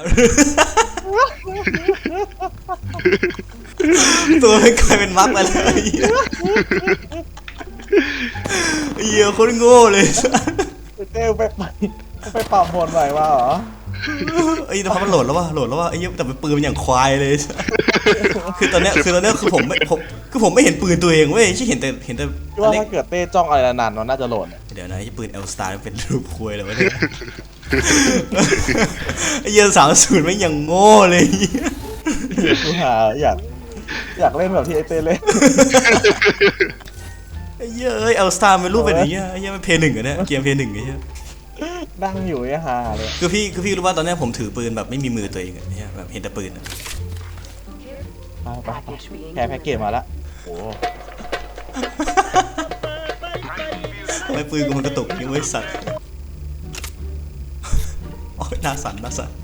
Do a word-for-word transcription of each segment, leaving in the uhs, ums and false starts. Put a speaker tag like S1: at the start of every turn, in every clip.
S1: ตัวมันกลายเป็นมักไปเลยเหี้ยโคตรโง่เลย
S2: เต้ไปไปไปปรับโหมดใหม่มาเหรอ
S1: ไอ้แต่พอมันโหลดแล้วว่ะโหลดแล้วว่ะไอ้เหี้ยแต่เป็นปืนมันอย่างควายเลยคือตอนเนี้ยคือตอนเนี้ยคือผมไม่ผมคือผมไม่เห็นปืนตัวเองเว้ยที่เห็นแต่เห็นแต่
S2: ว่าถ้าเกิดเต้จ้องอะไรนานๆมันน่าจะโหลด
S1: เดี๋ยวนะไอ้ปืนเอลสตาร์เป็นรูปคุยเลยวะเนี่ยไอ้เหี้ยสามศูนย์ไม่ยังโง่เลย
S2: กูหาอยากอยากเล่นแบบที่ไอเต้เล่น
S1: ไอ้เหี้ยเอ้ยเอลสตาร์เป็นรูปแบบนี้ไอ้เหี้ยมันเพย์หนึ่งอะเนี่ยเกมเพย์หนึ่งไอ้เหี้ย
S2: นั่งอยู่ไอ้ฮาเลย
S1: คือพี่คือพี่รู้ว่าตอนนี้ผมถือปืนแบบไม่มีมือตัวเองอะเนี่ยแบบเห็นแต่ปืนอะ
S2: ไปแพ้แพ็กเกจมาละโอ้
S1: ทำไมปืนกูมันกระตุกยังไม่สั่นโอ้ยน่าสั่นน่าสั่น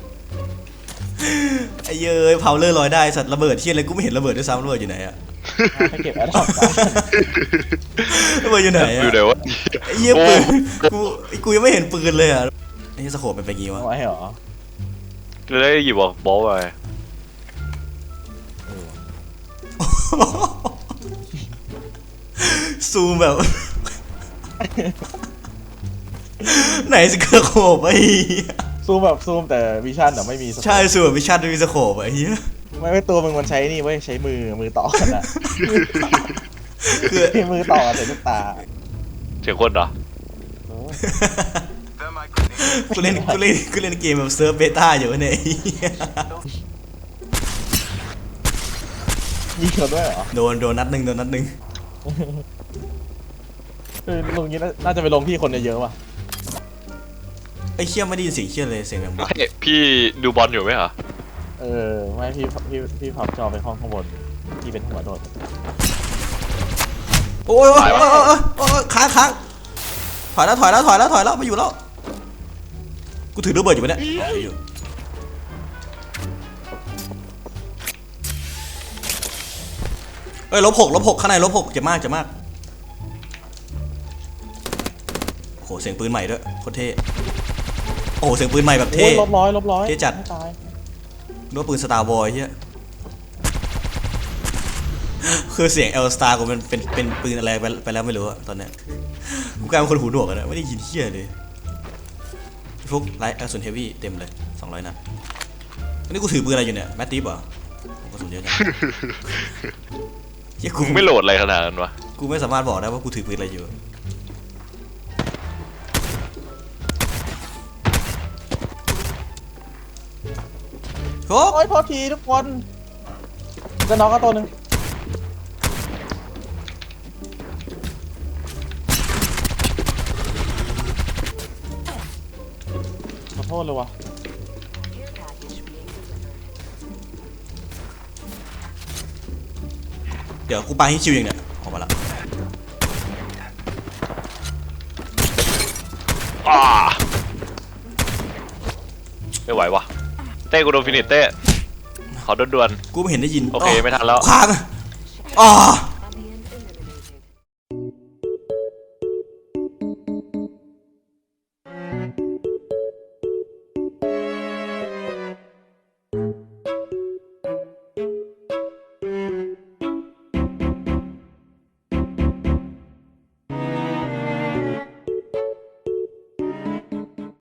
S1: ไอ้เย้ยเผาเลอร์ลอยได้สัตว์ระเบิดที่อะไรกูไม่เห็นระเบิดด้วยซ้ำระเบิดอยู่ไหนอะ
S2: แพ็กเกจแอดดอประ
S1: เบิดอยู่ไหนอะ
S3: อยู่ไหนวะ
S1: ไอ้เหี้ยปืนกูกูยังไม่เห็นปืนเลยอะไอ้สโคปเป็นไปงี้วะ
S2: ไอ้เหรอ
S3: จะได้หยิบบอกบอลไป
S1: ซูมแบบไหนสโคปไอ้
S2: ซูมแบบซูมแต่วิชั่นแต่ไม่มี
S1: ใช่ซูมแบบวิชั่นไม่มีสโคปไอ้เหี้ย
S2: ไม่ไม่ตัวมึงมันใช้นี่เว้ยใช้มือมือต่อกันอะคือมือต่อใส่ลูกตา
S3: เสียงคนเหรอ
S1: กูเล่นกูเล่นกูเล่นเกมแบบเซิร์ฟเบต้าอยู่เนี่ย
S2: ยิงเขาด้วยเหรอ
S1: โดนโดนนัดหนึ่งโดนนัดหนึ่ง
S2: คือลงนี้น่าจะไปลงที่คนเยอะๆว่ะ
S1: ไอ้เชี่ยไม่ได้ยินเสียงเชี่ยเลยเสียงแบบ
S3: ไม่พี่ดูบอลอยู่ไหมเหรอ
S2: เออไม่พี่พี่พี่พับจอไปห้องข้างบนที่เป็นหัวโดด
S1: โอ้ยโอ้ยโอ้ยค้างค้างถอยแล้วถอยแล้วถอยแล้วถอยแล้วไม่อยู่แล้วกูถือระเบิดอยู่ปะเนี่ยอยู่เอ้ยลบหกลบหกข้างในลบหกเจ็บมากเจ็บมากโอ้โหเสียงปืนใหม่ด้วยโคตรเท่โอ้โหเสียงปืนใหม่แบบเท่
S2: ลบร้อยลบร้อย
S1: เท่จัดนึกว่าปืนสตาร์วอร์เฮียคือเสียงเอลสตาร์กูมันเป็นเป็นปืนอะไรไปไปแล้วไม่รู้อะตอนเนี้ยกูกลายเป็นคนหูหนวกอะนะไม่ได้ยินเฮียเลยฟุกไลท์แอลซูนเฮฟวี่เต็มเลยสองร้อยนัดอันนี้กูถือปืนอะไรอยู่เนี่ยแมตติฟเหรอกูกระสุนเยอะจังเฮียกู
S3: ไม่โหลดอะไรขนาดนั้นวะ
S1: กูไม่สามารถบอกได้ว่ากูถือปืนอะไรอยู่
S2: โอ้ยพอทีทุกคนจะน็อกก็ตัวหนึ่งขอโทษเลยวะ
S1: เดี๋ยวกูปาให้ชิวอย่างเนี้ยออกมาละ
S3: ไม่ไหววะเต้กูโดนฟินิชเต้ขอด่วน
S1: ๆกูไม่เห็นได้ยิน
S3: โอเคไม่ทันแล้ว
S1: ค้างอ๋อ